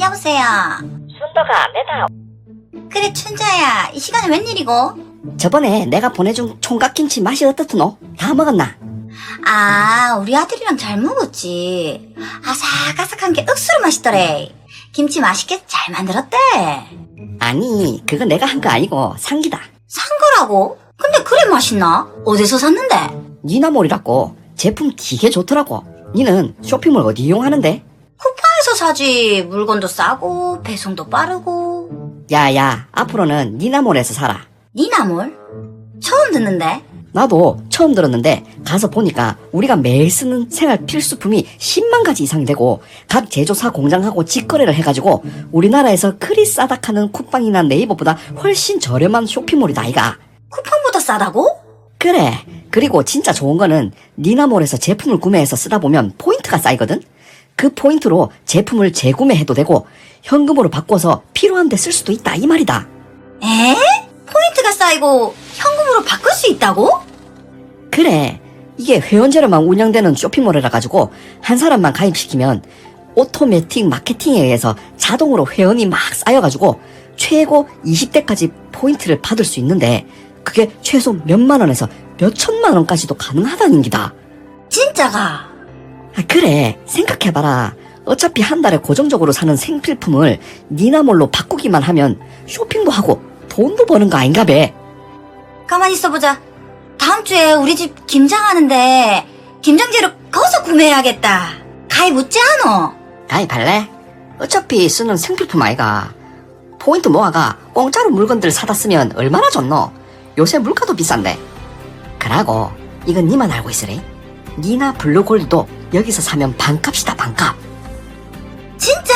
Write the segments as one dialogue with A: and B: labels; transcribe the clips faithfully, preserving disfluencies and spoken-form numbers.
A: 여보세요.
B: 순덕아, 내다.
A: 그래 춘자야, 이 시간에 웬일이고?
C: 저번에 내가 보내준 총각김치 맛이 어떻노? 다 먹었나?
A: 아, 우리 아들이랑 잘 먹었지. 아삭아삭한 게 억수로 맛있더래. 김치 맛있게 잘 만들었대.
C: 아니, 그거 내가 한 거 아니고 상기다.
A: 산 거라고? 근데 그래 맛있나? 어디서 샀는데?
C: 니나몰이라고. 제품 되게 좋더라고. 니는 쇼핑몰 어디 이용하는데?
A: 쿠팡에서 사지. 물건도 싸고 배송도 빠르고.
C: 야야, 앞으로는 니나몰에서 사라.
A: 니나몰? 처음 듣는데?
C: 나도 처음 들었는데 가서 보니까 우리가 매일 쓰는 생활 필수품이 십만 가지 이상이 되고 각 제조사 공장하고 직거래를 해가지고 우리나라에서 그리 싸닥하는 쿠팡이나 네이버보다 훨씬 저렴한 쇼핑몰이다 아이가.
A: 쿠팡보다 싸다고?
C: 그래. 그리고 진짜 좋은 거는 니나몰에서 제품을 구매해서 쓰다 보면 포인트가 쌓이거든. 그 포인트로 제품을 재구매해도 되고 현금으로 바꿔서 필요한 데 쓸 수도 있다 이 말이다.
A: 에? 포인트가 쌓이고 현금으로 바꿀 수 있다고?
C: 그래. 이게 회원제로만 운영되는 쇼핑몰이라 가지고 한 사람만 가입시키면 오토매틱 마케팅에 의해서 자동으로 회원이 막 쌓여가지고 최고 이십 대까지 포인트를 받을 수 있는데 그게 최소 몇만 원에서 몇천만 원까지도 가능하다는 기다.
A: 진짜가?
C: 아, 그래. 생각해봐라. 어차피 한 달에 고정적으로 사는 생필품을 니나몰로 바꾸기만 하면 쇼핑도 하고 돈도 버는 거 아닌가 배.
A: 가만히 있어보자. 다음 주에 우리 집 김장하는데 김장재료 거기서 구매해야겠다. 가입 웃지 않어?
C: 가입할래? 어차피 쓰는 생필품 아이가. 포인트 모아가 공짜로 물건들 사다 쓰면 얼마나 좋노? 요새 물가도 비싼데. 그러고 이건 니만 알고 있으래. 니나 블루골드도 여기서 사면 반값이다 반값.
A: 진짜?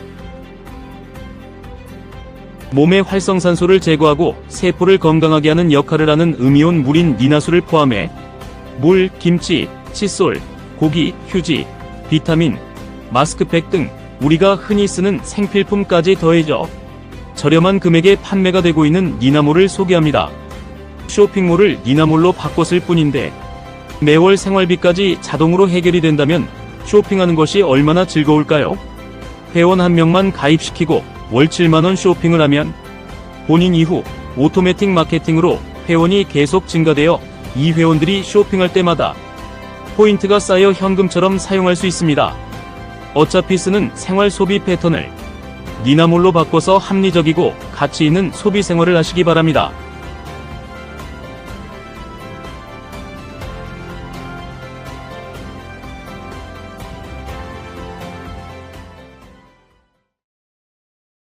D: 몸의 활성산소를 제거하고 세포를 건강하게 하는 역할을 하는 음이온 물인 니나수를 포함해 물, 김치, 칫솔, 고기, 휴지, 비타민, 마스크팩 등 우리가 흔히 쓰는 생필품까지 더해져 저렴한 금액에 판매가 되고 있는 니나몰을 소개합니다. 쇼핑몰을 니나몰로 바꿨을 뿐인데 매월 생활비까지 자동으로 해결이 된다면 쇼핑하는 것이 얼마나 즐거울까요? 회원 한 명만 가입시키고 월 칠만 원 쇼핑을 하면 본인 이후 오토매틱 마케팅으로 회원이 계속 증가되어 이 회원들이 쇼핑할 때마다 포인트가 쌓여 현금처럼 사용할 수 있습니다. 어차피 쓰는 생활 소비 패턴을 니나몰로 바꿔서 합리적이고 가치 있는 소비 생활을 하시기 바랍니다.